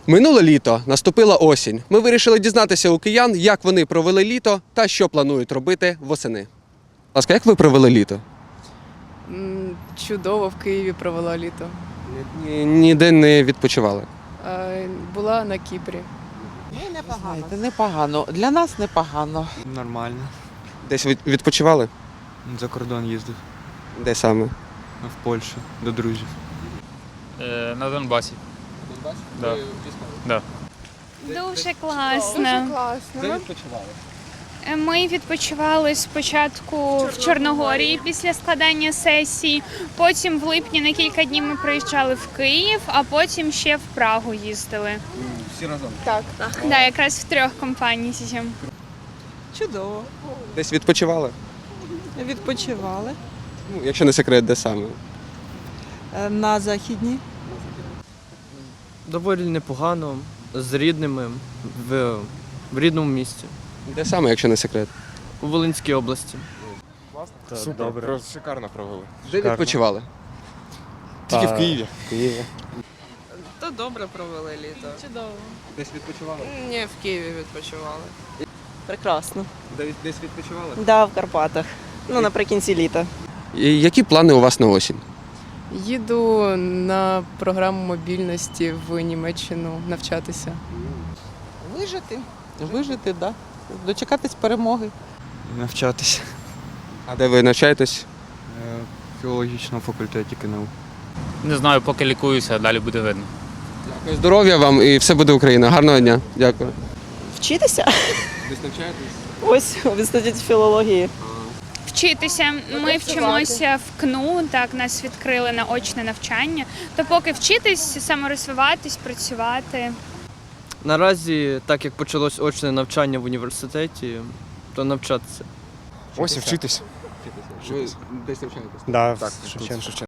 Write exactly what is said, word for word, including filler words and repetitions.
Минуле літо, наступила осінь. Ми вирішили дізнатися у киян, як вони провели літо та що планують робити восени. Будь ласка, як ви провели літо? М, Чудово в Києві провела літо. Ні- Ніде не відпочивали. Е, Була на Кіпрі. Знаєте, непогано. Для нас непогано. Нормально. Десь від- відпочивали? За кордон їздив. Де саме? В Польщу до друзів. Е, на Донбасі. Да. Да. Дуже класно. Де відпочивали? Ми відпочивали спочатку в Чорногорії після складання сесії, потім в липні на кілька днів ми приїжджали в Київ, а потім ще в Прагу їздили. Всі разом. Так, да, якраз в трьох компаніях. Чудово. Десь відпочивали? Відпочивали. Ну, якщо не секрет, де саме? Е, На західній. Доволі непогано, з рідними в, в рідному місті, Де саме, якщо не секрет? у Волинській області. Супер, добре. Шикарно провели. Де відпочивали? Тільки в Києві. Києві. То добре провели літо. Чудово. Десь відпочивали? Ні, в Києві відпочивали. Прекрасно. Десь відпочивали? Да, в Карпатах. Ну, наприкінці літа. Які плани у вас на осінь? Їду на програму мобільності в Німеччину навчатися. Вижити. Вижити, так. Да. Дочекатись перемоги. Навчатися. А де ви навчаєтесь? Е, В філологічному факультеті КНУ. Не знаю, поки лікуюся, а далі буде видно. Дякую. Здоров'я вам і все буде Україна. Гарного дня. Дякую. Вчитися? Десь навчаєтесь? Ось в інституті філології. Вчитися. Ми вчимося в КНУ, так, нас відкрили на очне навчання. То поки вчитись, саморозвиватись, працювати. Наразі, так як почалось очне навчання в університеті, то навчатися. Ось і вчитись. Ви десь навчаєтесь? Да, так, Шевченко.